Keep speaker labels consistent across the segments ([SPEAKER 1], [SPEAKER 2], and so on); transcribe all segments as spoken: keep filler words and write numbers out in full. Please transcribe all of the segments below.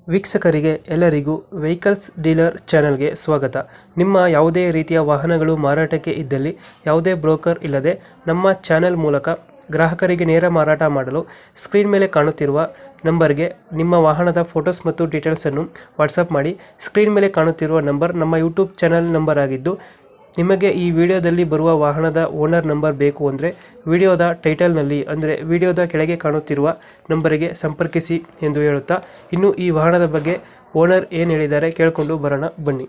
[SPEAKER 1] ವೀಕ್ಷಕರಿಗೆ ಎಲ್ಲರಿಗೂ vehicles dealer ಚಾನೆಲ್ಗೆ ಸ್ವಾಗತ. ನಿಮ್ಮ ಯಾವುದೇ ರೀತಿಯ ವಾಹನಗಳು ಮಾರಾಟಕ್ಕೆ ಇದ್ದಲ್ಲಿ ಯಾವುದೇ ಬ್ರೋಕರ್ ಇಲ್ಲದೆ ನಮ್ಮ ಚಾನೆಲ್ ಮೂಲಕ ಗ್ರಾಹಕರಿಗೆ ನೇರ ಮಾರಾಟ ಮಾಡಲು ಸ್ಕ್ರೀನ್ ಮೇಲೆ ಕಾಣುತ್ತಿರುವ ನಂಬರ್ಗೆ ನಿಮ್ಮ ವಾಹನದ ಫೋಟೋಸ್ ಮತ್ತು ಡೀಟೇಲ್ಸನ್ನು ವಾಟ್ಸಪ್ ಮಾಡಿ. ಸ್ಕ್ರೀನ್ ಮೇಲೆ ಕಾಣುತ್ತಿರುವ ನಂಬರ್ ನಮ್ಮ ಯೂಟ್ಯೂಬ್ ಚಾನೆಲ್ ನಂಬರ್ ಆಗಿದ್ದು, ನಿಮಗೆ ಈ ವಿಡಿಯೋದಲ್ಲಿ ಬರುವ ವಾಹನದ ಓನರ್ ನಂಬರ್ ಬೇಕು ಅಂದರೆ ವಿಡಿಯೋದ ಟೈಟಲ್ನಲ್ಲಿ ಅಂದರೆ ವಿಡಿಯೋದ ಕೆಳಗೆ ಕಾಣುತ್ತಿರುವ ನಂಬರಿಗೆ ಸಂಪರ್ಕಿಸಿ ಎಂದು ಹೇಳುತ್ತಾ, ಇನ್ನು ಈ ವಾಹನದ ಬಗ್ಗೆ ಓನರ್ ಏನು ಹೇಳಿದ್ದಾರೆ ಕೇಳಿಕೊಂಡು ಬರೋಣ ಬನ್ನಿ.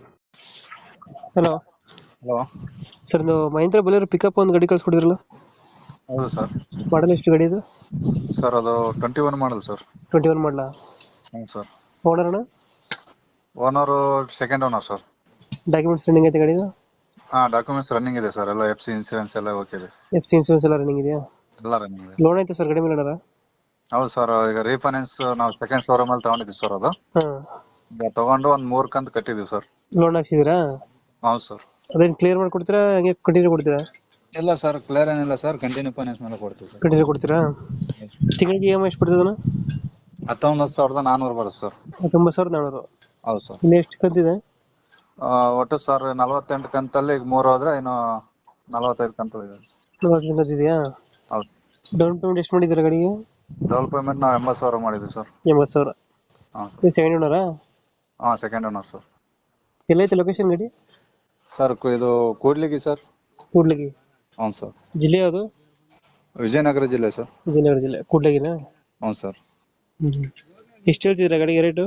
[SPEAKER 1] ಹಲೋ
[SPEAKER 2] ಹಲೋ
[SPEAKER 1] ಸರ್, ಒಂದು ಮಹೇಂದ್ರ ಬಲೇರೋ ಪಿಕಪ್ ಒಂದು ಗಾಡಿ ಕಳಿಸ್ಕೊಡಿದ್ರಲ್ಲ,
[SPEAKER 2] ಹೌದು ಸರ್.
[SPEAKER 1] ಮಾಡಲ್ ಎಷ್ಟು ಗಾಡಿ ಇದು?
[SPEAKER 2] ಸರ್ ಅದು twenty one model sir.
[SPEAKER 1] Twenty one model.
[SPEAKER 2] ಹ್ಞೂ ಸರ್.
[SPEAKER 1] ಓನರ್ ಅಣ್ಣ?
[SPEAKER 2] Owner second owner sir.
[SPEAKER 1] Documents running ಐತೆ ಗಾಡಿದು?
[SPEAKER 2] ಹಾಂ, ಡಾಕ್ಯುಮೆಂಟ್ಸ್ ರನ್ನಿಂಗ್ ಇದೆ ಸರ್. ಎಲ್ಲ ಎಫ್ ಸಿ ಇನ್ಸೂರೆನ್ಸ್ ಎಲ್ಲ ಓಕೆ ಇದೆ.
[SPEAKER 1] ಎಫ್ ಸಿ ಇನ್ಸೂರೆನ್ಸ್ ಎಲ್ಲ ರನ್ನಿಂಗ್ ಇದೆಯಾ?
[SPEAKER 2] ಎಲ್ಲ ರನ್ನಿಂಗ್ ಇದೆ.
[SPEAKER 1] ಲೋನ್ ಐತೆ ಸರ್ ಗಾಡಿ ಮೇಲೆ ಅಣ್ಣ?
[SPEAKER 2] ಹೌದು ಸರ್. ಈಗ ರೀಫೈನಾನ್ಸ್ ನಾವು ಸೆಕೆಂಡ್ ಶೋರೂಮ್ ಅಲ್ಲಿ ತಗೊಂಡಿದ್ದೀವಿ ಸರ್. ಅದು
[SPEAKER 1] ಹಾಂ,
[SPEAKER 2] ಈಗ ತಗೊಂಡು ಒಂದು ಮೂರು ಕಂತು ಕಟ್ಟಿದ್ದೀವಿ ಸರ್.
[SPEAKER 1] ಲೋನ್ ಹಾಕ್ಸಿದ್ದೀರಾ?
[SPEAKER 2] ಹೌದು ಸರ್.
[SPEAKER 1] ಅದೇನು ಕ್ಲಿಯರ್ ಮಾಡಿ ಕೊಡ್ತೀರಾ, ಹಂಗೆ ಕಂಟಿನ್ಯೂ ಕೊಡ್ತೀರಾ?
[SPEAKER 2] ಇಲ್ಲ ಸರ್, ಕ್ಲಿಯರ್ ಏನಿಲ್ಲ ಸರ್. ಕಂಟಿನ್ಯೂ ಫೈನಾನ್ಸ್ ಮೇಲೆ ಕೊಡ್ತೀವಿ ಸರ್.
[SPEAKER 1] ಕಂಟಿನ್ಯೂ ಕೊಡ್ತೀರಾ? ತಿಂಗಳಿಗೆ ಇ ಎಮ್ ಐ ಎಷ್ಟು ಬರ್ತದಣ್ಣ?
[SPEAKER 2] ಹತ್ತೊಂಬತ್ತು ಸಾವಿರದ ನಾನ್ನೂರು ಬರುತ್ತೆ ಸರ್.
[SPEAKER 1] ಹತ್ತೊಂಬತ್ತು ಸಾವಿರದ ನಾನ್ನೂರು.
[SPEAKER 2] ಹೌದು ಸರ್.
[SPEAKER 1] ಇನ್ನು ಎಷ್ಟು ಕಂತಿದೆ?
[SPEAKER 2] ಆ, ಒಟ್ಟು ಸರ್ ನಲವತ್ತೆಂಟು ಕಂತಲ್ಲಿ ಈಗ ಮೂರು ಹೋದ್ರೆ ಇನ್ನು ನಲವತ್ತೈದು ಕಂತು ಇದೆ.
[SPEAKER 1] ನಲವತ್ತು ಕಂತಿದೆಯಾ?
[SPEAKER 2] ಹೌದು.
[SPEAKER 1] ಡೌನ್ ಪೇಮೆಂಟ್ ಎಷ್ಟು ಮಾಡಿದ್ದೀರಾ ಗಾಡಿಗೆ?
[SPEAKER 2] ಡೌನ್ ಪೇಮೆಂಟ್ ನಾವು ಎಂಬತ್ತು ಸಾವಿರ ಮಾಡಿದ್ದೀವಿ ಸರ್.
[SPEAKER 1] ಎಂಬತ್ತು ಸಾವಿರ.
[SPEAKER 2] ಹಾಂ ಸರ್.
[SPEAKER 1] ಇದು ಸೆಕೆಂಡ್ ಓನರಾ?
[SPEAKER 2] ಹಾಂ, ಸೆಕೆಂಡ್ ಓನರ್ ಸರ್.
[SPEAKER 1] ಎಲ್ಲೈತೆ ಲೊಕೇಶನ್ ಗಾಡಿ?
[SPEAKER 2] ಸರ್ ಕು- ಇದು ಕೂಡ್ಲಿಗಿ ಸರ್.
[SPEAKER 1] ಕೂಡ್ಲಿಗಿ.
[SPEAKER 2] ಹ್ಞೂ ಸರ್.
[SPEAKER 1] ಜಿಲ್ಲೆ ಯಾವುದು?
[SPEAKER 2] ವಿಜಯನಗರ ಜಿಲ್ಲೆ ಸರ್.
[SPEAKER 1] ವಿಜಯನಗರ ಜಿಲ್ಲೆ. ಕೂಡ್ಲಿಗಿನಾ?
[SPEAKER 2] ಹ್ಞೂ ಸರ್.
[SPEAKER 1] ಹ್ಞೂ. ಎಷ್ಟು ಹೇಳ್ತಿದ್ದೀರಾ ಗಾಡಿಗೆ ರೇಟು?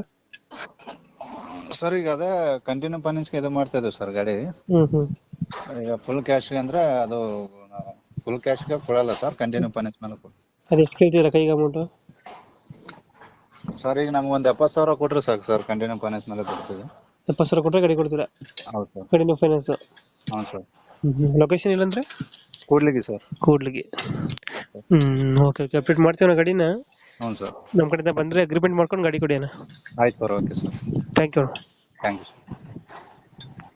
[SPEAKER 2] ಸರ್ ಈಗ ಅದೇ ಕಂಟಿನ್ಯೂ ಫೈನಾನ್ಸ್ಗೆ ಇದು ಮಾಡ್ತಾ ಇದ್ದೀವಿ ಸರ್ ಗಾಡಿ.
[SPEAKER 1] ಹ್ಞೂ ಹ್ಞೂ.
[SPEAKER 2] ಈಗ ಫುಲ್ ಕ್ಯಾಶ್ಗೆ ಅಂದರೆ ಅದು ಫುಲ್ ಕ್ಯಾಶ್ಗೆ ಕೊಡಲ್ಲ ಸರ್, ಕಂಟಿನ್ಯೂ ಫೈನಾನ್ಸ್ ಮೇಲೆ ಕೊಡ್ತೀವಿ.
[SPEAKER 1] ಅದು ಎಷ್ಟು ಕೇಳ್ತಿದ್ದೀರಾ ಕೈಗೆ ಅಮೌಂಟು?
[SPEAKER 2] ಸರ್ ಈಗ ನಮ್ಗೆ ಒಂದು ಎಪ್ಪತ್ತು ಸಾವಿರ ಕೊಟ್ಟರೆ ಸಾಕು ಸರ್, ಕಂಟಿನ್ಯೂ ಫೈನಾನ್ಸ್ ಮೇಲೆ ಕೊಡ್ತೀವಿ.
[SPEAKER 1] ಎಪ್ಪತ್ತು ಸಾವಿರ ಕೊಟ್ಟರೆ ಗಾಡಿ ಕೊಡ್ತೀರಾ?
[SPEAKER 2] ಹೌದು ಸರ್.
[SPEAKER 1] Continue finance?
[SPEAKER 2] ಹ್ಞೂ ಸರ್.
[SPEAKER 1] ಹ್ಞೂ. ಲೊಕೇಶನ್ ಇಲ್ಲಂದ್ರೆ?
[SPEAKER 2] ಕೂಡ್ಲಿಗಿ ಸರ್.
[SPEAKER 1] ಕೂಡ್ಲಿಗಿ. ಹ್ಞೂ. ಓಕೆ ಓಕೆ, ಅಪ್ಡೇಟ್ ಮಾಡ್ತೀವಿ ನಾವು ಗಾಡಿನ.
[SPEAKER 2] ಹ್ಞೂ ಸರ್.
[SPEAKER 1] ನಮ್ಮ ಕಡೆಯಿಂದ ಬಂದರೆ ಅಗ್ರಿಮೆಂಟ್ ಮಾಡ್ಕೊಂಡು ಗಾಡಿ ಕೊಡಿ ಅಣ್ಣ.
[SPEAKER 2] ಆಯ್ತು sir. Okay sir.
[SPEAKER 1] Thank you.
[SPEAKER 2] Thank you sir.